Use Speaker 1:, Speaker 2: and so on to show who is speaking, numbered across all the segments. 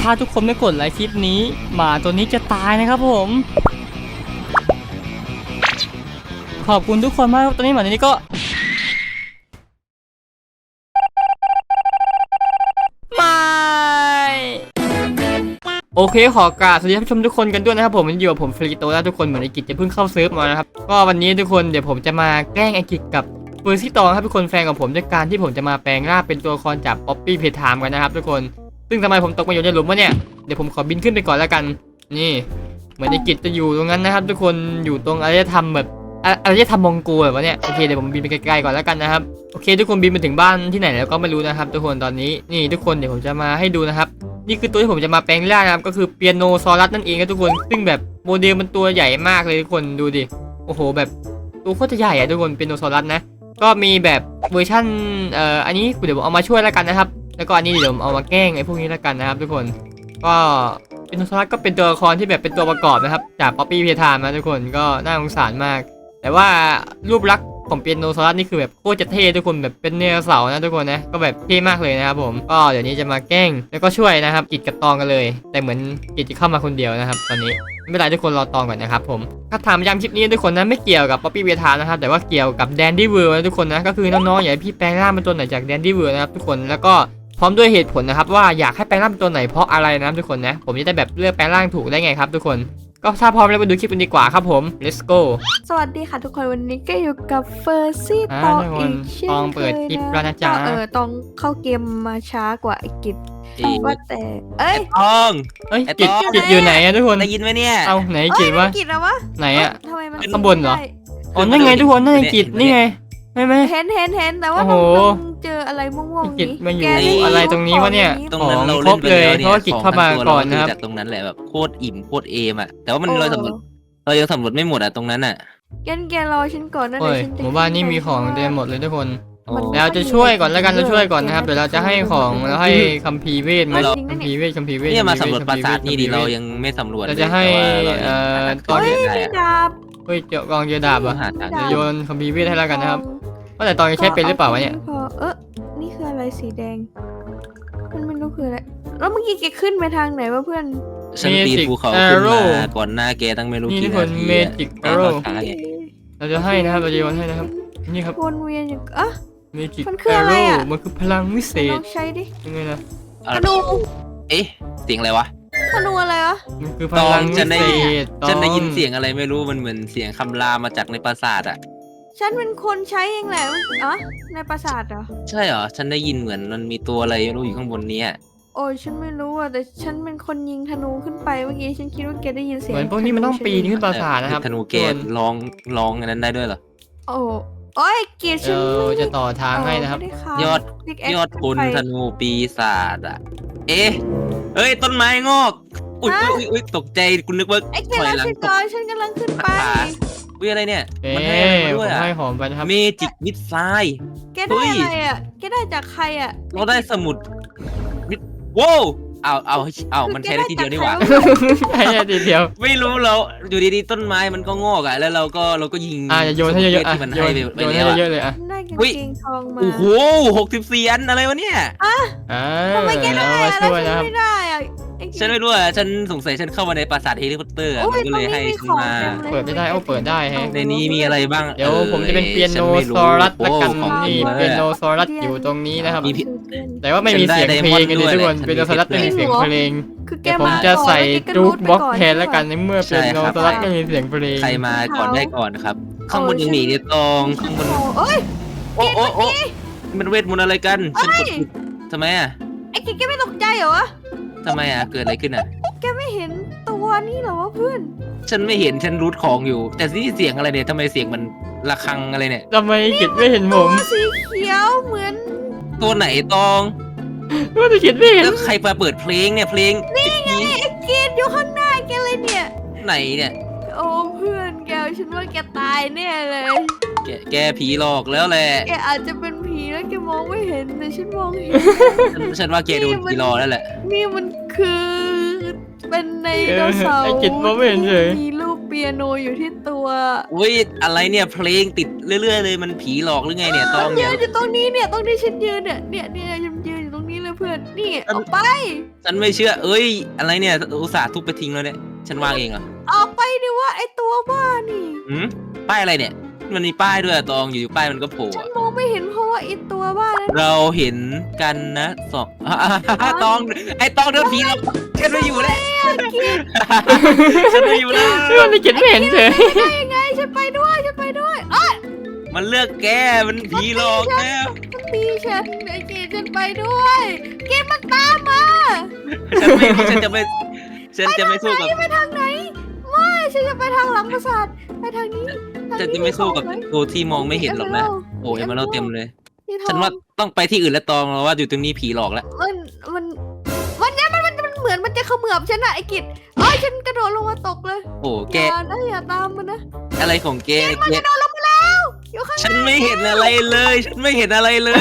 Speaker 1: ถ้าทุกคนไม่กดไลค์คลิปนี้หมาตัวนี้จะตายนะครับผมขอบคุณทุกคนมากตอนนี้หมาตัวนี้ก็ไม่โอเคขอกราบสวัสดีท่านผู้ชมทุกคนกันด้วยนะครับผมอยู่กับผมฟริโตแล้วทุกคนเหมือนไอกิจจะเพิ่งเข้าเซิร์ฟมานะครับก็วันนี้ทุกคนเดี๋ยวผมจะมาแกล้งไอกิจกับเฟอร์ซี่ตองครับทุกคนแฟนของผมด้วยการที่ผมจะมาแปลงร่างเป็นตัวละครจากป๊อปปี้เพทามกันนะครับทุกคนซึ่งทำไมผมตกมาอยู่ในหลุมวะเนี่ยเดี๋ยวผมขอบินขึ้นไปก่อนแล้วกันนี่เหมือนไอกิจจะอยู่ตรงนั้นนะครับทุกคนอยู่ตรงอารยธรรมแบบอารยธรรมมองโกแบบวะเนี่ยโอเคเดี๋ยวผมบินไปไกลๆก่อนแล้วกันนะครับโอเคทุกคนบินมาถึงบ้านที่ไหนแล้วก็ไม่รู้นะครับทุกคนตอนนี้นี่ทุกคนเดี๋ยวผมจะมาให้ดูนะครับนี่คือตัวที่ผมจะมาแปลงร่างนะครับก็คือเปียโนซอรัสนั่นเองครับทุกคนซึ่งแบบโมเดลมันตัวใหญ่มากเลยทุกคนดูดิโอ้โหแบบตัวโคตรใหญ่อะทุกคนเปียโนซอรัสนะก็มีแบบเวอร์ชั่นอันนี้เดี๋ยวผมเอามาช่วยแล้วกันนะครับแล้วก็อันนี้เดี๋ยวผมเอามาแกล้งไอ้พวกนี้แล้วกันนะครับทุกคนก็เปียโนซอรัสก็เป็นตัวละครที่แบบเป็นตัวประกอบนะครับจากป๊อปปี้เพทามนะทุกคนก็น่าสงสารมากแต่ว่ารูปลักษณ์ของเปียโนซอรัสนี่คือแบบโคตรจะเท่ทุกคนแบบเป็นเนื้อเสาร์นะทุกคนนะก็แบบเท่มากเลยนะครับผมก็เดี๋ยวนี้จะมาแกล้งแล้วก็ช่วยนะครับกิจกับตองกันเลยแต่เหมือนกิจจะเข้ามาคนเดียวนะครับตอนนี้ไม่เป็นไรทุกคนรอตองก่อนนะครับผมถ้าถามย้ำคลิปนี้ทุกคนนะไม่เกี่ยวกับป๊อปปี้เวทานะครับแต่ว่าเกี่ยวกับแดนดี้เวิร์นะทุกคนนะก็คือน้องๆอยากให้พี่แปลงร่างเป็นตัวไหนจากแดนดี้เวิร์นะครับทุกคนแล้วก็พร้อมด้วยเหตุผลนะครับว่าอยากให้แปลงร่างเป็นตัวไหนเพราะอะไรนะครับทุกคนนะผมจะได้แบบเลือกแปลงร่างถูกได้ไงครับทุกคนก็ถ้าพร้อมแล้วไปดูคลิปกันดีกว่าครับผม let's go
Speaker 2: สวัสดีค่ะทุกคนวันนี้ก็อยู่กับเฟอร์ซี่ตองอีกเช่น
Speaker 1: ตองเปิดคลิปแล้วนะจ๊ะ
Speaker 2: ตองเข้าเกมมาช้ากว่าไอ้กิจว่าแต่เอ้ย
Speaker 3: ทอง
Speaker 1: เอ้ย
Speaker 3: ไอ้
Speaker 1: กิจ
Speaker 3: ตอง
Speaker 1: กิจอยู่ไหนอะทุกคน
Speaker 3: ได้ยินไหมเนี่ย
Speaker 1: เอาไหนกิจวะ
Speaker 2: กิจแล้ววะ
Speaker 1: ไหนอะ
Speaker 2: ทำไมมัน
Speaker 1: ข้างบนเหรอ อ๋อนั่นไงทุกคนนั่นไงกิจนี่ไงไม่ไม่
Speaker 2: เห็นแต่ว่า
Speaker 1: โอ้โห
Speaker 2: ต้องเจออะไรม่วงๆ
Speaker 1: กิจ
Speaker 2: นี้
Speaker 1: มาอยู่
Speaker 2: แกด้
Speaker 1: อะไรตรงนี้วะเนี่ย
Speaker 3: ตรงนั้นเรา
Speaker 1: คร
Speaker 3: เล่
Speaker 1: บ
Speaker 3: นไป
Speaker 1: เลย
Speaker 3: แล้ว
Speaker 1: เพ
Speaker 3: เนี่ย
Speaker 1: ราะว่ากิจเข้ามาก่อนนะครับ
Speaker 3: จากตรงนั้นแหละแบบโคตรอิ่มโคตรเอมอ่ะแต่ว่ามันเรายังสำรวจไม่หมดอ่ะตรงนั้นอ่ะ
Speaker 2: แกรอฉันก่อนนะ
Speaker 1: โอ้
Speaker 2: เดี๋ยวย ฉันจะ
Speaker 1: หมู่บ้านนี่มีของเต็มหมดเลยทุกคน
Speaker 3: โอ้
Speaker 1: เราจะช่วยก่อนแล้วกันเราช่วยก่อนนะครับเดี๋ยวเราจะให้ของแล้วให้คัมภีร์เวทไหม
Speaker 3: เรา
Speaker 1: คัมภีร์เวทคัมภีร์เวท
Speaker 3: เนี่ยมาสำรวจปราสาทนี่ดิ
Speaker 1: คัมภี
Speaker 3: เรา
Speaker 1: ร์เวท
Speaker 3: ยังไม่สำรวจ
Speaker 1: เราจะให้
Speaker 3: ตอน
Speaker 2: เฮ้ย
Speaker 3: นี้
Speaker 2: มีดาบ
Speaker 1: เฮ้ยเจาะกองเจอดาบเหรอ
Speaker 3: หาทาง
Speaker 1: เดี๋ยวโยนคัมภีร์เวทให้แล้วกันนะครับว่าแต่ตอนจะใช้เป็นหรือเปล่าวะเนี่ย
Speaker 2: นี่คืออะไรสีแดงมันไม่รู้คืออะไรแล้วเมื่อกี้แกขึ้นไปทางไหนวะเพื่อน
Speaker 3: ฉันปีนภูเขาขึ้นมาก่อนหน้าแกตั้งไม่รู้
Speaker 1: นี่ทุ
Speaker 3: กี่
Speaker 1: กคน
Speaker 3: นาที
Speaker 1: เมจิกแอโร่
Speaker 3: ช้าไง
Speaker 1: เราจะให้นะครับเราจะโยนให้นะครับนี่ครับ
Speaker 2: วนเวียนอย่างอ่ะ
Speaker 1: เมจิก
Speaker 2: มันคื
Speaker 1: แอ
Speaker 2: ออะไร
Speaker 1: โร่
Speaker 2: อะ
Speaker 1: มันคือพลังวิเศ
Speaker 2: ล
Speaker 1: ษ
Speaker 2: องใช้ดิ
Speaker 1: ยังไงนะ
Speaker 2: ธนู
Speaker 3: เอ๊ะเสียงอะไรวะ
Speaker 2: ธนูอะไรวะ
Speaker 1: มันคือพลังวิ
Speaker 3: ฉันได้
Speaker 1: เศษ
Speaker 3: ฉันได้ยินเสียงอะไรไม่รู้มันเหมือนเสียงคำรามมาจากในปราสาทอ่ะ
Speaker 2: ฉันเป็นคนใช้เองแหละอ๋อในปราสาทเหรอ
Speaker 3: ใช่เหรอ ฉันได้ยินเหมือนมันมีตัวอะไรไม่รู้อยู่ข้างบนเนี้ย
Speaker 2: โอ้ยฉันไม่รู้อ่ะแต่ฉันเป็นคนยิงธนูขึ้นไปเมื่อกี้ฉันคิดว่าแกได้ยินเสียง
Speaker 1: เหมือนพวกนี้มันต้องปีนขึ้นปราสาทนะครับ
Speaker 3: ธนูเกตร้องอันนั้นได้ด้วยเหรอ
Speaker 2: โอ้ยเกียรติฉัน
Speaker 1: เราจะต่อทางให้นะครับ
Speaker 2: ไม่ได้ค่ะ
Speaker 3: ยอด
Speaker 2: Big X
Speaker 3: ยอดพล
Speaker 2: ขึ้นไป
Speaker 3: ธนูปีศาจอ่ะ เอ๊ะเอ้ยต้นไม้งอก อุ้ย
Speaker 2: ฮะ
Speaker 3: อุ้ยตกใจคุณนึกว่า
Speaker 2: ไอ้เกียร
Speaker 3: ถ
Speaker 2: ติ
Speaker 3: อยหลัง
Speaker 2: ฉัน
Speaker 3: ต
Speaker 2: ก่อก นฉันกำลังขึ้นไป
Speaker 3: อุ้ยอะไรเนี่ย
Speaker 1: เอ๊
Speaker 3: มันให้อะไรมา
Speaker 1: ะ
Speaker 3: ด้วย
Speaker 1: ผม
Speaker 3: อ่ะ
Speaker 1: ให้หอมไปนะครับ
Speaker 3: เมจิกมิดไซด์
Speaker 2: แกได้อะไรอ่ะแกได้จากใครอ่ะ
Speaker 3: เราได้สมุดมิดว้าวเอามันใช้ได้ทีเดียวนี่หว่า
Speaker 1: ใช่ทีเดียว
Speaker 3: ไม่รู้เราอยู่ดีๆต้นไม้มันก็งอกอ่ะแล้วเราก็ยิง
Speaker 1: จะโยนให้เยอะๆ
Speaker 3: ที่มัน
Speaker 1: โย
Speaker 3: ให้
Speaker 1: น
Speaker 3: ไป
Speaker 1: โยน
Speaker 3: แล้
Speaker 1: ให้
Speaker 3: ว
Speaker 1: เยอะๆเลยอ่ะ
Speaker 2: ได้กาง
Speaker 3: อุ๊ย
Speaker 2: เกงทองมา
Speaker 3: โอ้โห64 อันอะไรวะเนี่ย
Speaker 2: ทำไมแกได้
Speaker 1: เอามา
Speaker 2: อะแล้ว
Speaker 1: ช่วย
Speaker 2: ฉั
Speaker 1: นะครับ
Speaker 2: นไม่ได้อ่ะไอ้เกียรติ
Speaker 3: ฉันไม่รู้อ่ะฉันสงสัยฉันเข้ามาในปราสาทเฮลิคอปเตอร์อะ
Speaker 2: โอ้
Speaker 3: มั
Speaker 2: ย
Speaker 3: นก็เลยให้
Speaker 2: ตรงนี้มี
Speaker 3: ฉันมา
Speaker 2: ของเต็มเลย
Speaker 1: เปิดไม่ได้เปิดได้แฮะ
Speaker 3: ในนี้มีอะไรบ้าง
Speaker 1: เดี๋ยวผมจะเป็นเปียโนซอรัสละกันนี่เปียโนซอรัสอยู่ตรงนี้นะครับ
Speaker 3: มีพี่
Speaker 1: แต่ว่าไม่มีเสียงเพลงกันเลยทุกคนเปียโนซอรัสไม่มีเสียงเพลง
Speaker 2: คือแก
Speaker 1: เดี๋ยวผม
Speaker 2: มา
Speaker 1: จะใส่
Speaker 2: ก่อน
Speaker 1: จู๊ก
Speaker 2: แว
Speaker 1: บ็อก
Speaker 2: ไป
Speaker 1: แทนละกันในเมื่อเปียโนซอรัสไม่มีเสียงเพลง
Speaker 3: ใครมาก่อนได้ก่อนครับ ข้างบนยังมีเนี่ยตองข้างบน
Speaker 2: โอ้ย
Speaker 3: โอ้มันเวทมนต์อะไรกันฉันกดผิดทำไมอ่ะ
Speaker 2: ไอ้แกไม่ตกใจเหรอวะ
Speaker 3: ทำไมอ่ะเกิดอะไรขึ้นอ่ะ
Speaker 2: แกไม่เห็นตัวนี่เหรอวะเพื่อน
Speaker 3: ฉันไม่เห็นฉันรูทของอยู่ แต่นี่เสียงอะไรเนี่ยทำไมเสียงมันระฆังอะไรเนี่ย
Speaker 1: ทำไมกิดไม่เห็นผม
Speaker 2: ตัวสีเขียวเหมือน
Speaker 3: ตัวไหนตอง
Speaker 1: ว่าจะกิดไม่เห็น
Speaker 3: แล้วใครมาเปิดเพลงเนี่ยเพลงนี่ไง
Speaker 2: ไอ้เกดอยู่ข้างหน้าแกเลยเนี่ย
Speaker 3: ไหนเนี่ย
Speaker 2: โอ้เพื่อนแกฉันว่าแกตายแน่เลย
Speaker 3: แกผีหลอกแล้วแหละ
Speaker 2: แกอาจจะเป็นผีแล้วแกมองไม่เห็นแต่ฉันมองเห็น
Speaker 3: ฉันว่าแกโดนผีหลอกแล้วแหละ
Speaker 2: นี่มันคือเป็นไดโนเสาร์
Speaker 1: ไอ้กิดมองไม่เห็นเลย
Speaker 2: มีลูกเปียโนอยู่ที่ตัว
Speaker 3: อุ้ยอะไรเนี่ยเพลงติดเรื่อยๆเลยมันผีหลอกหรือไงเนี่ยตอง
Speaker 2: ยื
Speaker 3: เนี่ย
Speaker 2: นอยู่ตรงนี้เนี่ยตรงที่ฉันยืนเนี่ยฉันยืนอยู่ตรงนี้เลยพื่อนนี่ออกไป
Speaker 3: ฉันไม่เชื่อเอ้ยอะไรเนี่ยอุตส่าห์ทุบไปทิ้งแล้วเนี่ยฉันวางเองเหรอ
Speaker 2: ออกไปดิว่าไอตัวบ้านี่
Speaker 3: ป้ายอะไรเนี่ยมันมีป้ายด้วยอะตองอยู่ป้ายมันก็โผล่
Speaker 2: ฉัน
Speaker 3: อะ
Speaker 2: มองไม่เห็นเพราะว่าไอตัวบ้านั้น
Speaker 3: เราเห็นกันนะสองตองไอ้ตองเดินผีเราฉันไม่อยู่แล้วฉันไม่อยู่แล้ว
Speaker 1: เพื่อนไม่เก็ตไม่เห็นเฉย
Speaker 2: ได้ยังไงฉันไปด้วยอ้อย
Speaker 3: มันเลือกแกมันผีหลอกแล้ว
Speaker 2: มันตีฉันไอเกดฉันไปด้วยเกดมันตามมา
Speaker 3: ฉันจะไม่สู้กับ
Speaker 2: ไปทางไหนไม่ฉันจะไปทางหลังปราสาทไปทางนี้
Speaker 3: ฉันจะไม่สู้กับตัวที่มองไม่เห็นหรอกนะโอ้ยมันเราเต็มเลย ฉันว่าต้องไปที่อื่นแล้วตองเราว่าอยู่ตรงนี้ผีหลอกแล้ว
Speaker 2: วันนี้มันเหมือนมันจะเขมือบฉันอะไอ้กิจฉันกระโดดลงมาตกเลย
Speaker 3: โอ้แก
Speaker 2: อย่าตามมันนะ
Speaker 3: อะไรของแก
Speaker 2: มันกระโดดลงมาแล้วอยู่ข้าง
Speaker 3: ฉันไม่เห็นอะไรเลย ฉันไม่เห็นอะไรเลย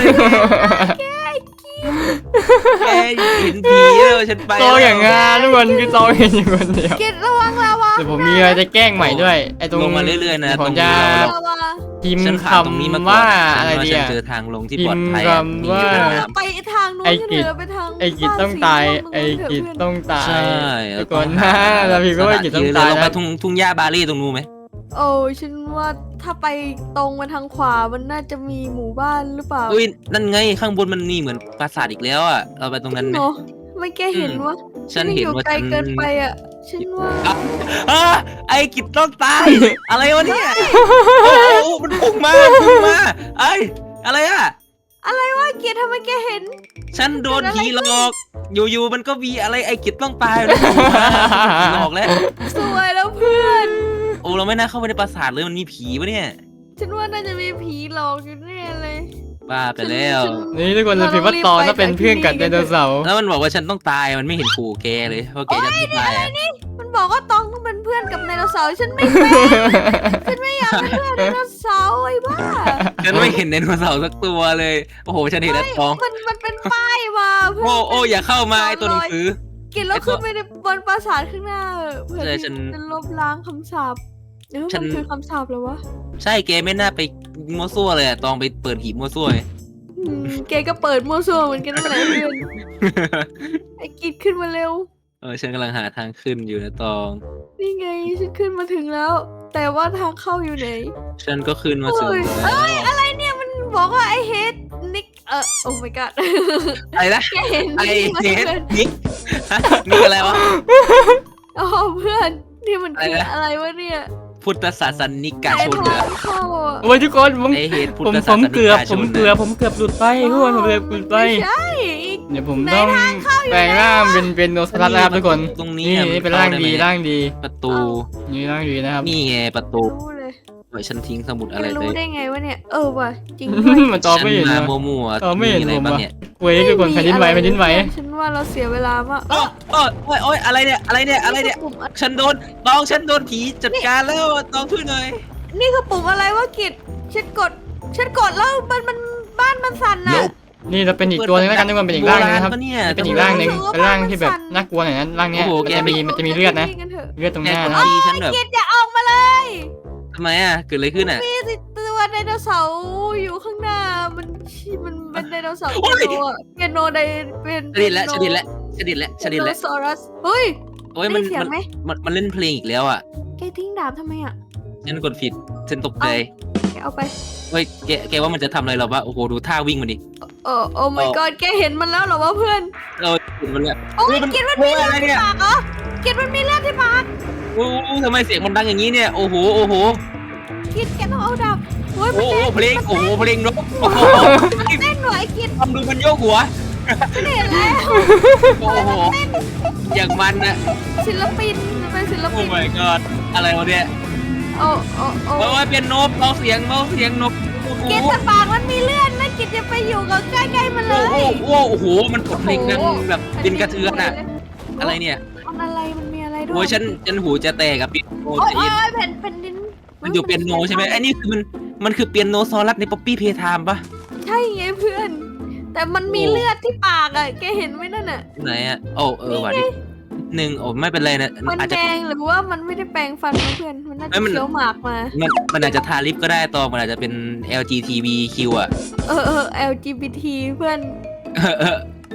Speaker 3: แกเห็นผีแล้วฉันไป
Speaker 1: ตองอย่างงานทุกคนคือตองเห็นอยู่คนเดียว
Speaker 2: กิจระวังลาวา
Speaker 1: แต่ผมมีอะไรจะแกล้งใหม่ด้วยไอ้ตรง
Speaker 3: ลงมาเรื่อยๆนะ
Speaker 1: ผมจะ
Speaker 2: ลาวา
Speaker 1: พิม
Speaker 3: ฉัน
Speaker 1: พ์
Speaker 3: ผ่านตรงนี้มา
Speaker 1: คำ
Speaker 3: ก่อน
Speaker 1: ว่าอะไรดี
Speaker 3: ฉัน
Speaker 1: อะ
Speaker 3: เจอทางลงที่
Speaker 1: พิ
Speaker 3: ปลอด
Speaker 1: มพ์
Speaker 3: ภัย
Speaker 1: คำว่า
Speaker 2: ไปทางโน้น
Speaker 1: ไอ้
Speaker 2: กัน
Speaker 1: กิ
Speaker 2: เถ
Speaker 1: จ
Speaker 2: อะไปทาง
Speaker 1: ไอ้กิจต้องตายไอ้กิจต้องตาย
Speaker 3: ใช่
Speaker 1: ทุกคนนะเราพิมพ์ว่าไอ้กิจต้องตาย
Speaker 3: ลงไป
Speaker 1: นะ
Speaker 3: ทุ่งหญ้าบาลี่ตรงนู้นไหม
Speaker 2: โอ้ฉันว่าถ้าไปตรงมาทางขวามันน่าจะมีหมู่บ้านหรือเปล่า
Speaker 3: อุ้ยนั่นไงข้างบนมันมีเหมือนปราสาทอีกแล้วอ่ะเราไปตรงนั้นไหม
Speaker 2: เนาะไม่แกเห็นว่า
Speaker 3: ฉันเห็นว่า
Speaker 2: ไกล
Speaker 3: ฉัน
Speaker 2: เกินไปอ่ะฉันว่า
Speaker 3: ไอ้กิจต้องตาย อะไรวะเนี่ยโอ้โหมันพุ่งมาไอ้อะไรอ่ะ
Speaker 2: อะไรวะเกียรติทำไมแกเห็น
Speaker 3: ฉันโดนผีหลอก อยู่ๆมันก็มีอะไรไอ้กิจต้องตายแล้วผีหลอกแล้ว
Speaker 2: สวยแล้วเพื่อน
Speaker 3: โอ้เราไม่น่าเข้าไปในปราสาทเลยมันมีผีวะเนี่ย
Speaker 2: ฉันว่าน่าจะมีผีหลอกอยู่แน่เลย
Speaker 3: บ้าไปแล้ว
Speaker 1: นี่ทุกคนเราพิมพ์ว่าตองถ้าเป็นเพื่อนกับไดโนเสาร์
Speaker 3: แล้วมันบอกว่าฉันต้องตายมันไม่เห็นขู่แกเลยเพราะแกจะไม่ตายอะ
Speaker 2: มันบอกว่าตองต้องเป็นเพื่อนกับไดโนเสาร์ฉันไม่เป็นฉันไม่อยากเป็นเพื่อนไดโนเสาร์ไอ้บ้า
Speaker 3: ฉันไม่เห็นไดโนเสาร์สักตัวเลย โอ้โหฉันเห็นแต่ตอง
Speaker 2: มันเป็นป้ายมาเพื่อน
Speaker 3: โอ้อย่าเข้ามาไอ้ตัวหนังสือ
Speaker 2: กินแล้วขึ้นไปในบนปราสาทข้างหน้าเพื่อ
Speaker 3: ใช่
Speaker 2: ที่
Speaker 3: ฉัน
Speaker 2: จะลบล้างคำสาปมันคือคำสาปเหรอวะ
Speaker 3: ใช่แกไม่น่าไปมั่วซั่วเลยอะตองไปเปิดหีบมั่วซั่วไง
Speaker 2: แกก็เปิดมั่วซั่วเหมือนกันนั่นแหละเพื่อนไอ้กิดขึ้นมาเร็ว
Speaker 3: ฉันกำลังหาทางขึ้นอยู่นะตอง
Speaker 2: นี่ไงฉันขึ้นมาถึงแล้ว แต่ว่าทางเข้าอยู่ไหน
Speaker 3: ฉันก็ขึ้นมาถึง
Speaker 2: เอ้ย
Speaker 3: แล้ว
Speaker 2: อะไรเนี่ยมันบอกว่าไอเฮดนิกโอ้ my god
Speaker 3: อะไรนะ
Speaker 2: แกเห็น
Speaker 3: ไอ้
Speaker 2: นี่ไหม
Speaker 3: เนส
Speaker 2: เพื่อน
Speaker 3: นิกฮะนี่อะไรวะ
Speaker 2: อ๋อเพื่อนนี่มันคือ
Speaker 3: อะไรนะ
Speaker 2: อะไรวะเนี่ย
Speaker 3: พุทธศาสนิกา
Speaker 2: ไอ
Speaker 3: ชน
Speaker 2: ท
Speaker 3: เหรอ
Speaker 2: างเข้าอ่ะ
Speaker 1: โอ้ยทุกคนผม
Speaker 3: ไอเหตุพุท
Speaker 1: ผม
Speaker 3: ธ
Speaker 1: ผ
Speaker 3: ศาส
Speaker 1: ม
Speaker 3: นิ
Speaker 1: เกือบ
Speaker 3: กาช
Speaker 1: ผม
Speaker 3: น
Speaker 1: เกือบผมเกือบหลุดไปทุกคนผมเกือบหลุดไป
Speaker 2: ไม่ใช่
Speaker 1: เดี๋ยวผมต้องแปลงร่างเป็นโนสลัดแล้วครับทุกคน
Speaker 3: ตรง
Speaker 1: นี่
Speaker 3: นี้อะ
Speaker 1: นี่เป็นร่างดี
Speaker 3: เข้
Speaker 1: ร่างดี
Speaker 3: ประตู
Speaker 1: นี่ร่างดีนะครับ
Speaker 3: นี่ไงประตู
Speaker 2: รู้เลย
Speaker 3: ไว้ฉันทิ้งสมุด
Speaker 2: แก
Speaker 3: อะไร
Speaker 2: รู้
Speaker 3: เลย
Speaker 2: ได้ไงวะเนี่ยว่ะจริงด้วย
Speaker 1: มันตอบไม่เห็น
Speaker 3: ฉั
Speaker 1: นะ
Speaker 3: มามั่วๆ
Speaker 1: ตอบไม่เห็น
Speaker 3: อะไร
Speaker 1: ผม
Speaker 3: บ้าง
Speaker 1: ว่ะ
Speaker 3: เนี่ย
Speaker 1: เว้ยทุกคนแผ่นดินไหวแผ่นดินไหว
Speaker 2: ฉันว่าเราเสียเวลามาก
Speaker 3: โอ้ยอะไรเนี่ยอะไรเนี่ย
Speaker 2: ปุ่ม
Speaker 3: ฉันโดนฉันโดนผีจัดการแล้วตองช่วยหน่อย
Speaker 2: นี่คือปุ่มอะไรวะกิจฉันกดแล้วมันบ้านมันสั่นน่ะ
Speaker 1: นี่เราเป็นอีกตัวนึงแล้วกันทุกคนเป็นอีกร่างนึงนะครับ
Speaker 3: โบาณปเนี่ย
Speaker 1: เป็นอีกร่างหนึ่งเป็นร่างที่แบบน่ากลัวหน่อยนะร่างเนี้ย
Speaker 3: โอ้โห
Speaker 1: มันจะมีเลือดนะ
Speaker 2: กันเถอะ
Speaker 1: เลือดตรง
Speaker 3: แก
Speaker 1: หน้าก
Speaker 3: ด
Speaker 1: นะครับ
Speaker 3: ทีฉันแบบ
Speaker 2: กิจอย่าออกมาเลย
Speaker 3: ทำไมอ่ะเกิดอะไรขึ้นอ่ะ
Speaker 2: มีสิตัวไดโนเสาร์อยู่ข้างหน้ามันเป็นไดโนเสาร์
Speaker 3: โอ้ย
Speaker 2: เปียโนไดเป็น
Speaker 3: ชดิดแล้ว
Speaker 2: ได
Speaker 3: ไดโนเสาร์
Speaker 2: เฮ้ย
Speaker 3: โอ้ย
Speaker 2: ได้เสียงไหม
Speaker 3: มันเล่นเพลงอีกแล้วอ่ะ
Speaker 2: แกทิ้งดาบทำไมอ่ะ
Speaker 3: ฉันกดผิดฉันตกใจ
Speaker 2: แกเอาไป
Speaker 3: เฮ้ยแกว่ามันจะทำอะไรเราปะโอ้โหดูท่าวิ่งมันดิ
Speaker 2: โอ้ my god แกเห็นมันแล้วเหรอวะเพื่อน
Speaker 3: เราเห็นมันแล้ว
Speaker 2: โอ้ยกิจมันมีเลือด
Speaker 3: อะไร
Speaker 2: ที่
Speaker 3: เนี่ย
Speaker 2: ปากเหรอกิจมันมีเลือดที่ปาก
Speaker 3: โอ้ทำไมเสียงมันดังอย่างนี้เนี่ยโอ้โห
Speaker 2: กิจแกต้องเอาดาบโอ้ย
Speaker 3: โอ้โหเพลงโอ้โหเพลงนกโอ้โห
Speaker 2: เต้นหน่อยกิจ
Speaker 3: ทำดูมันโยกหัว
Speaker 2: ไม่เห็นแล้ว
Speaker 3: โอ้โหอย่างมันนะ
Speaker 2: ศิลปินมันเป็นศิล
Speaker 3: โอ้
Speaker 2: ปิน
Speaker 3: my god อะไรวะเนี่ย
Speaker 2: โอ้
Speaker 3: โอ้ยเป็นนกเบาเสียงนกโอ้โห
Speaker 2: กิจแต่ปากมันมีเลือดนะกิจจะไปอยู่กับใกล้ๆมันเล
Speaker 3: โอ้
Speaker 2: ย
Speaker 3: โหโอ้โหมันกดเพลงดังแบบเป็นกระเทือนอะอะไรเนี่ย
Speaker 2: มันอะไรมันมีอะไรด้วย
Speaker 3: โอ้ยฉันหูจะแตกกับเปียโน
Speaker 2: โอ้
Speaker 3: จะอิน
Speaker 2: ยแผ่นดิน
Speaker 3: มันอยู่เปียโนใช่ไหมไอ้นี่คือมันคือเปียโนซอรัสในป๊อปปี้เพย์ไทม์ปะ
Speaker 2: ใช่ไงเพื่อน แต่มันมีเลือดที่ปากอ่ะแกเห็นไหมนั่นอ่ะ
Speaker 3: ไหนอะโอ้ว่ะดิหนึ่งโอ้ไม่เป็นไรนะ
Speaker 2: มัน
Speaker 3: อาจ
Speaker 2: แด
Speaker 3: จะ
Speaker 2: งหรือว่ามันไม่ได้แปรงฟันนะเพื่อนมันน่า
Speaker 3: เอ้
Speaker 2: จะ
Speaker 3: ยมัน
Speaker 2: เคี้ยวหมากมา
Speaker 3: มันอาจจะทาลิปก็ได้ตองมันอาจจะเป็น LGBTQ อ่ะ
Speaker 2: LGBT เพื่อน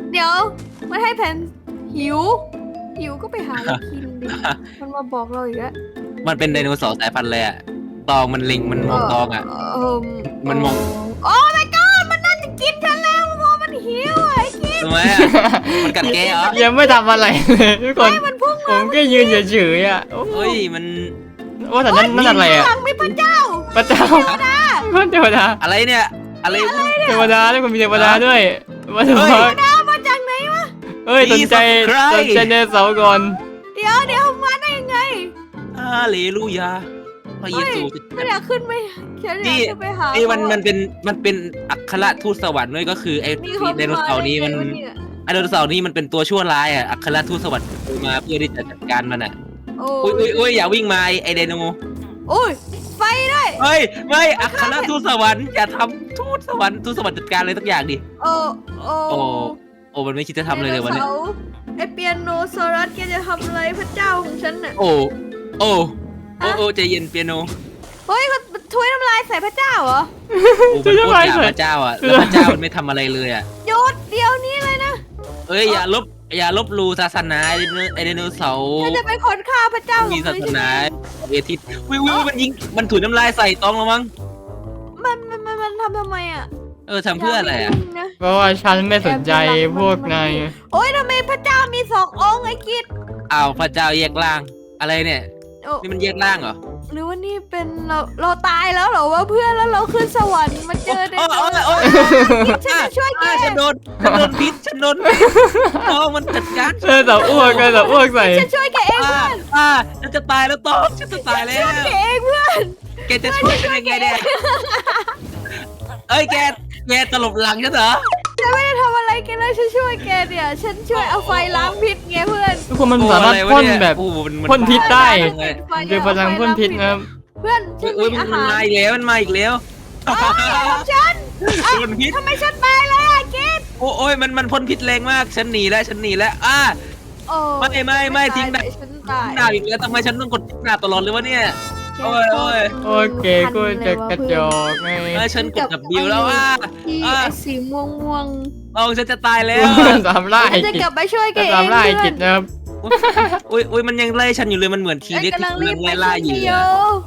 Speaker 2: เดี๋ยวมันให้แผนหิวก็ไปหาอะไรกินดิมันมาบอกเราอีกแล้ว
Speaker 3: มันเป็นไดโนเสาร์สายพันธุ์เลยอะตองมันเล็งมันมองตองอะ มันมอง
Speaker 2: โอ้ my god มันน่าจะกินฉันแล้วเพราะมันหิวไอ้กิน
Speaker 3: ทำไมอะมันกัดแกเหรอ
Speaker 1: ยังไม่ทำอะไรเลยทุกคน
Speaker 2: มันพุ่ง
Speaker 1: ผมก็ยืนเฉยๆอ่ะโอ้
Speaker 3: เฮ้ยมัน
Speaker 1: ว่าแต่นั่นอะไรอ่ะ
Speaker 2: หลังมีพระเจ้า
Speaker 1: พระเจ้าเทวดา
Speaker 3: อะไรเนี่ยอะไร
Speaker 1: เทวดาทุกคนมีเทวดาด้วยว่าเทว
Speaker 3: เฮ้
Speaker 1: ดาย
Speaker 2: มาจากไหนวะ
Speaker 1: เฮ้ยสนใจเนเสาร์ก่อน
Speaker 2: เดี๋ยวมาได้ยังไง
Speaker 3: ฮาเลลูยาพระเยซู
Speaker 2: ไม่อยากขึ้นไปฉันอยากขึ้นไปหา
Speaker 3: นี่มันเป็นอัครทูตสวรรค์ด้วยก็คือไอ้ไดโนเสาร์นี้มันไอ้ไดโนเสาร์นี้มันเป็นตัวชั่วร้ายอ่ะอัครทูตสวรรค์มาเพื่อที่จะจัดการมันอ่ะ
Speaker 2: โอ้
Speaker 3: อุ้ยอย่าวิ่งมาไอ้ไดโน
Speaker 2: โอ้ยไฟด้วย
Speaker 3: เฮ้ยไม่อัครทูตสวรรค์อย่าทำทูตสวรรค์จัดการอะไรสักอย่างดิ
Speaker 2: โอ้
Speaker 3: โอ้มันไม่คิดจะทำเลยเลยวันนี้
Speaker 2: ไอเปียโนโซรัสแกจะทำอะไรพระเจ้าของฉันน่ะ
Speaker 3: โอ้ใจเย็นเปียโน
Speaker 2: เฮ้ยมันถ้วยน้ำลายใส่พระเจ้าเหรอ
Speaker 3: โอ้มันโคตรด่าพระเจ้าอ่ะแล้วพระเจ้ามันไม่ทำอะไรเลยอ่ะ
Speaker 2: หยุดเดี๋ยวนี้เลยนะ
Speaker 3: เอ้ยอย่าลบหลู่ศาสนาไอไดโนเสาร์
Speaker 2: ฉันจะเป็นคนฆ่าพระเจ้าของ
Speaker 3: มีศา
Speaker 2: เธอ
Speaker 3: ส
Speaker 2: ใช่ไหม
Speaker 3: นาเวทิตวิวมันยิงมันถุยน้ำลายใส่ตองแล้วมั้ง
Speaker 2: มันทำไมอ่ะ
Speaker 3: ทำเพื่ออะไรอ่ะ
Speaker 2: ย่าปยิงน
Speaker 1: เพราะว่าฉันไม่สนใจพวกนาย
Speaker 2: โอ้ยทำไมพระเจ้ามี2 องค์ไอ้กิด
Speaker 3: อ้าวพระเจ้าแยกร่างอะไรเนี่ย
Speaker 2: โอ้
Speaker 3: นี่มันแยกร่างเหรอ
Speaker 2: หรือว่านี่เป็นเราตายแล้วเหรอว่าเพื่อนแล้วเราขึ้นสวรรค์มาเจอใน
Speaker 3: โอ้ย
Speaker 2: ฉันจะช่วยแก
Speaker 3: ฉันโดนพิษฉันโดนตองมันจัดการ
Speaker 1: แต่อ้วกใส่
Speaker 2: ฉันช่วยแกเองเพื่อน
Speaker 3: ฉันจะตายแล้วตองฉันจะตายแล้ว
Speaker 2: แกเองเพื่อน
Speaker 3: แกจะช่วยฉันยังไงเนี่ยเอ้ยแกตลบหลังฉันเหรอ
Speaker 2: ฉันไม่ได้ทำอะไรแกเลยฉันช่วยแกเนี่ยฉันช่วยเอาไฟล้างพิษไงเพื่อน
Speaker 1: ทุกคนมันสามารถพ่นแบบ พ่นพิษได้ เจอพลังพ่นพิษนะครับ
Speaker 2: เพื่อนฉัน
Speaker 3: อุ้ย
Speaker 2: มี
Speaker 3: มั
Speaker 2: อาน หาร
Speaker 3: มาอีกแล้วมันมาอีกแล้ว
Speaker 2: ฉัน
Speaker 3: พ่นพิษ
Speaker 2: ทำไมฉันตายเลยอะกิด
Speaker 3: โอ้ยมันพ่นพิษแรงมากฉันหนีแล้ว
Speaker 2: โอ้
Speaker 3: ไม่ทิ้งดาบ
Speaker 2: ฉันตาย
Speaker 3: ดาบอีกแล้วทำไมฉันต้องกดดาบตลอดเลยวะเนี่ย โอ้ย
Speaker 1: โอเคกูจะกระจอกไง
Speaker 3: ฉันกดดับบิวแล้ว
Speaker 2: ที่ไอ้สีม่วง
Speaker 3: ฉันจะตายแล้ว
Speaker 1: สามล่า
Speaker 2: ๆ
Speaker 1: ไอ้
Speaker 2: ฉันจะ
Speaker 1: กิจ
Speaker 2: กลับไปช่วยแกเอง
Speaker 1: สามล่าไอ้
Speaker 2: เพื่
Speaker 1: กิ
Speaker 2: อ
Speaker 1: จ
Speaker 2: น
Speaker 1: นะครับ
Speaker 3: อุ้ยมันยังไล่ฉันอยู่เลยมันเหมือนที
Speaker 2: ฉัน
Speaker 3: เด็ก
Speaker 2: กำลังรี
Speaker 3: ที่
Speaker 2: บ
Speaker 3: กำลัง
Speaker 2: ไป
Speaker 3: ไล่
Speaker 2: ช่วย
Speaker 3: ล่าอยู่
Speaker 2: โย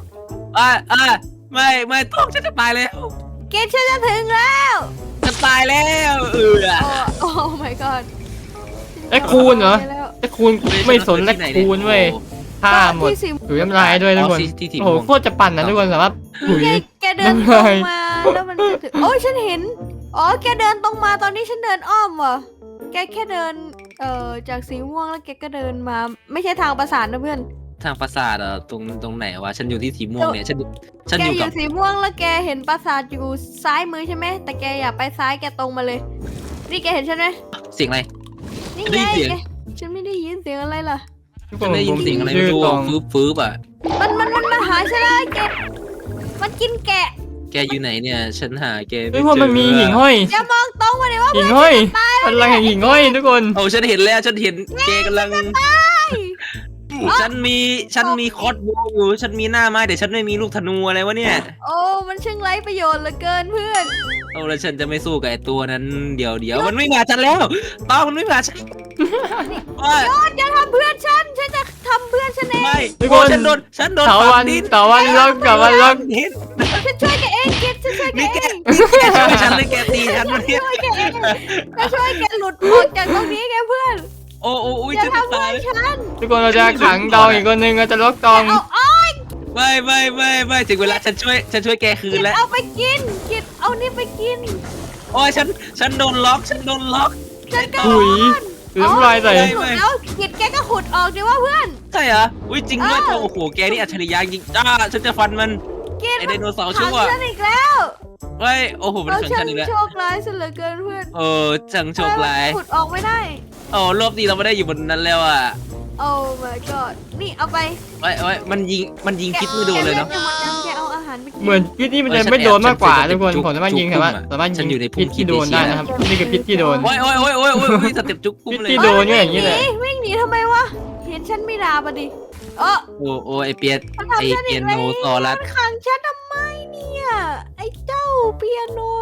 Speaker 3: ไม่ต้องฉันจะตายแล้ว
Speaker 2: เกดฉันจะถึงแล้ว
Speaker 3: จะตายแล้ว
Speaker 2: โอ้ my god
Speaker 1: ไอ้คูณเหรอไอ้คูณไม่สนและคูณเว้ยฆ่าหมด
Speaker 2: ที่สี
Speaker 1: ถุยน้ำลายด้วยทุกคนโอ้โหโคตรจะปั่นนะทุกคนสามารถถุย
Speaker 2: แกเดินตรงมาแล้วมันจะถึงโอ้ยฉันเห็นแกเดินตรงมาตอนนี้ฉันเดินอ้อมว่ะแกแค่เดินจากสีม่วงแล้วแกก็เดินมาไม่ใช่ทางประสานนะเพื่อน
Speaker 3: ทางปราสาทตรงไหนวะฉันอยู่ที่สีม่วงเนี่ยฉัน
Speaker 2: แก
Speaker 3: อยู่
Speaker 2: อ
Speaker 3: กับ
Speaker 2: ยู่สีม่วงแล้วแกเห็นปราสาทอยู่ซ้ายมือใช่ไหมแต่แกอย่าไปซ้ายแกตรงมาเลยนี่แกเห็นฉันไหม
Speaker 3: เสียงอะไร
Speaker 2: นี่
Speaker 3: ได้
Speaker 2: ไง
Speaker 3: ยินเสียง
Speaker 2: แกฉันไม่ได้ยินเสียงอะไรล่ะ
Speaker 1: ทุกค
Speaker 3: ฉั
Speaker 1: น
Speaker 3: นได้ยินเสียงอะไรไม่
Speaker 1: ชื่อ
Speaker 3: รู้
Speaker 1: ตอง
Speaker 3: ฟื้บอ่ะ
Speaker 2: มันมาหาฉันแล้วแกมันกินแกะ
Speaker 3: แกอยู่ไหนเนี่ยฉันหาแก
Speaker 1: ทุกคนมันมีหิ่งห้อย
Speaker 2: อย่ามองตรงมาเลยว่า
Speaker 1: หิ่งห้อยพลังแห่งหิ่งห้อยทุกคน
Speaker 3: โอ้ฉันเห็นแล้วฉันเห็นแกกำลังฉันมีคอสโบว์อยู่ฉันมีหน้าไม้แต่ฉันไม่มีลูกธนูอะไรวะเนี่ย
Speaker 2: โอ้มันช่างไร้ประโยชน์เหลือเกินเพื่อน
Speaker 3: เอาแล้วฉันจะไม่สู้กับไอ้ตัวนั้นเดี๋ยวมันไม่มาฉันแล้วตองมันไม่มาฉัน
Speaker 2: ยอดอย่าทำเพื่อนฉันจะทำเพื่อนฉันเอง
Speaker 3: ไม่
Speaker 1: ทุกคน
Speaker 3: ฉันโดน
Speaker 1: เถาวันล็อกกับวันล็อก
Speaker 3: ดิน
Speaker 2: ฉันช่วยแกเองเกดฉันช่วยแก
Speaker 3: นี่
Speaker 2: เอ
Speaker 3: แก
Speaker 2: ง
Speaker 3: ช่วยฉันหรือแกตีฉันวะเนี่ย
Speaker 2: ช่วยแกเองจะช่วยแกหลุดออกจากตรงนี้แกเพื่อน
Speaker 3: โอ้ย
Speaker 2: อย่า
Speaker 3: ฉันจะ
Speaker 2: ทำเพื่
Speaker 3: ตา
Speaker 2: อย นฉัน
Speaker 1: ทุกคนเราจะขังตองอีกคนนึงเราจะล็อกตอง
Speaker 2: เอา
Speaker 3: ไม่ถึงเวลาฉันช่วยแกคืนแล้ว
Speaker 2: เอาไปกินกิดเอานี่ไปกิน
Speaker 3: โอ้ยฉันโดนล็อก
Speaker 2: ฉันก็
Speaker 1: ถุยถุยน้ำลายใส่
Speaker 2: หลุดแล้วกิดแกก็ขุดออกดิว่าเพื่อน
Speaker 3: ใช่เหรออุ้ยจริงด้วยโอ้โหแกนี่อัจฉริยะจริงฉันจะฟันมัน
Speaker 2: กิด
Speaker 3: ไอไดโนเสาร์
Speaker 2: ขั
Speaker 3: ชั่
Speaker 2: ง
Speaker 3: ว
Speaker 2: ฉันอีกแล้ว
Speaker 3: เฮ้ยโอ้โหมัน
Speaker 2: เรา
Speaker 3: ขัง
Speaker 2: ฉั
Speaker 3: ฉั
Speaker 2: น
Speaker 3: นอีกแล้ว
Speaker 2: โชคร้ายซะเหลือเกินเพื่อน
Speaker 3: จังโชคร้าย
Speaker 2: ขุดออกไม่ได้
Speaker 3: โอ้รอบนี้เราไม่ได้อยู่บนนั้นแล้วอ่ะ
Speaker 2: โอ้ my god นี่เอาไป
Speaker 3: ไว้มันยิงพิษไม่โดนเลยเนาะ
Speaker 2: แกเอาอาหารไปกิน
Speaker 1: เหมือนพิษนี่มันจะไม่โดนมากกว่าทุกคนผมสามารถยิงสามารถยิงพิษที่โดนได้นะครับนี่คือพิษที่โดน
Speaker 3: โอ้ยสเต็ปจุกกุ้มเลย
Speaker 1: พิษที่โดน อย่างนี้แหละ
Speaker 2: วิ่งหนีทำไมวะเห็นฉันไม่ดาบอะดิ
Speaker 3: โอ้ไอเปีย
Speaker 2: มันทำฉันอีก
Speaker 3: โน
Speaker 2: แล้ว
Speaker 3: ต่อรัด
Speaker 2: มันขังฉันทำไมเนี่ยไอ้เจ้าเปียโน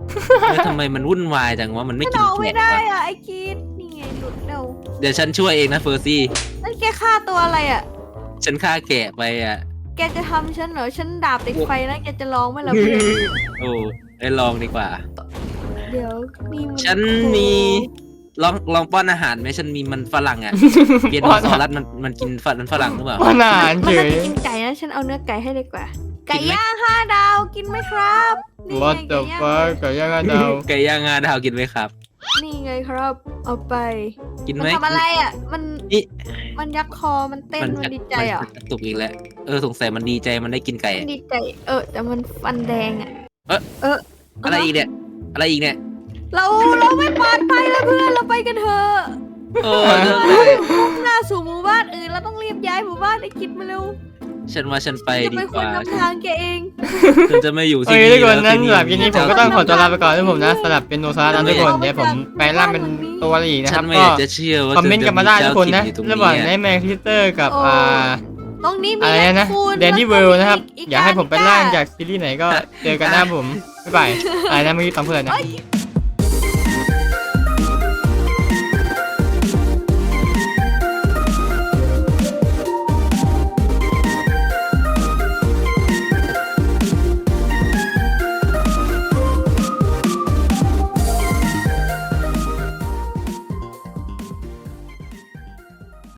Speaker 3: แล้วทำไมมันวุ่นวายจังวะมันไม่
Speaker 2: ฉัน
Speaker 3: กิน
Speaker 2: ออกไม่
Speaker 3: แกะ
Speaker 2: ได้
Speaker 3: วะ
Speaker 2: อ่ะไอ้กิดนี่ไงหลุดเร็ว
Speaker 3: เดี๋ยวฉันช่วยเองนะเฟอร์ซี่
Speaker 2: นั่นแกฆ่าตัวอะไรอ่ะ
Speaker 3: ฉันฆ่าแกะไปอ่ะ
Speaker 2: แกจะทำฉันเหรอฉันดาบติดไฟนะแกจะร้องไหมล่ะเพื่อน
Speaker 3: โอ้ได้ลองดีกว่า
Speaker 2: เดี๋ยวนี่มัน
Speaker 3: ฉันมีลองป้อนอาหารไหมฉันมีมันฝรั่งอ่ะเปียโนซอรัสมันกินฝรั่งหรือเปล่า
Speaker 1: ป้อนอาหาร
Speaker 2: มัน
Speaker 1: เฉ
Speaker 2: น่าย จะกินไก่นะฉันเอาเนื้อไก่ให้ดีกว่า ไก่
Speaker 3: กินไหม
Speaker 2: ย่าง5 ดาวกินไหมครับนี่ไง
Speaker 1: What the
Speaker 2: ไก่ย่าง
Speaker 1: fuck ไก่ย่าง5 ดาว
Speaker 3: ไก่ย่างงาดาวกินไหมครับ
Speaker 2: นี่ไงครับ เอาไป
Speaker 3: กิน
Speaker 2: มั
Speaker 3: ไหม
Speaker 2: ทำอะไรอ่ะ มัน
Speaker 3: นี่
Speaker 2: มันยักคอมันเต้นมันดีใจอ่ะ
Speaker 3: มันกระตุกอีกแล้วสงสัยมันดีใจมันได้กินไก่
Speaker 2: ดีใจแต่มันฟันแดงอ่ะ
Speaker 3: อะไรอีกเนี่ยอะไรอีกเนี่ย
Speaker 2: เราไม่ปลอดภัยแล้วเพื่อนเราไปกันเถอะ
Speaker 3: โอ้
Speaker 2: มุ่งหน้าสู่หมู่บ้านอื่นเราต้องรีบย้ายหมู่บ้านไอ้คิดมาเร็ว
Speaker 3: ฉันว่าฉันไป
Speaker 2: จะ
Speaker 3: ดี
Speaker 2: เป็น
Speaker 3: ก
Speaker 2: คน
Speaker 3: ว่า
Speaker 2: นำทางแกเอง
Speaker 3: ฉันจะไม่อยู่
Speaker 1: โอ
Speaker 3: ที่
Speaker 1: เค
Speaker 3: นี่
Speaker 1: ทุกคนนั้น
Speaker 3: ที่
Speaker 1: สำหรับคลิปนี้ผมก็ต้องขอตัวลาไปก่อนนะผมนะ
Speaker 2: เจ้า
Speaker 1: สำหรับเป็นโนซานะทุกคนเดี๋ยวผมแปลงร่างเป็นตัวอะไรอีกนะค
Speaker 3: ฉั
Speaker 1: รับ
Speaker 3: นไม่
Speaker 1: ก็
Speaker 3: อยากจะเชื่อว่า
Speaker 1: คอมเมนต์กันมาได้ทุกคนนะ
Speaker 3: จมีเจ้าถิ่อยู่ต
Speaker 1: ระหว่าง
Speaker 3: ต
Speaker 1: ไนท์แมร์คริสเตอร์กับ
Speaker 2: โอ้ ตรงนี้มี
Speaker 1: อะไรนะ
Speaker 2: แมคคูน
Speaker 1: แดนนี่
Speaker 2: แล้
Speaker 1: เวิ
Speaker 2: ก็
Speaker 1: ลด์นะครับ
Speaker 2: อี
Speaker 1: อยากให้ผมเป็นร่างจากซีรีส์ไหนก็เจอกันหน้าผมบ๊ายบายอะไรนะเมื่อกี้ตามเพื่อนนะ
Speaker 2: เอ้ย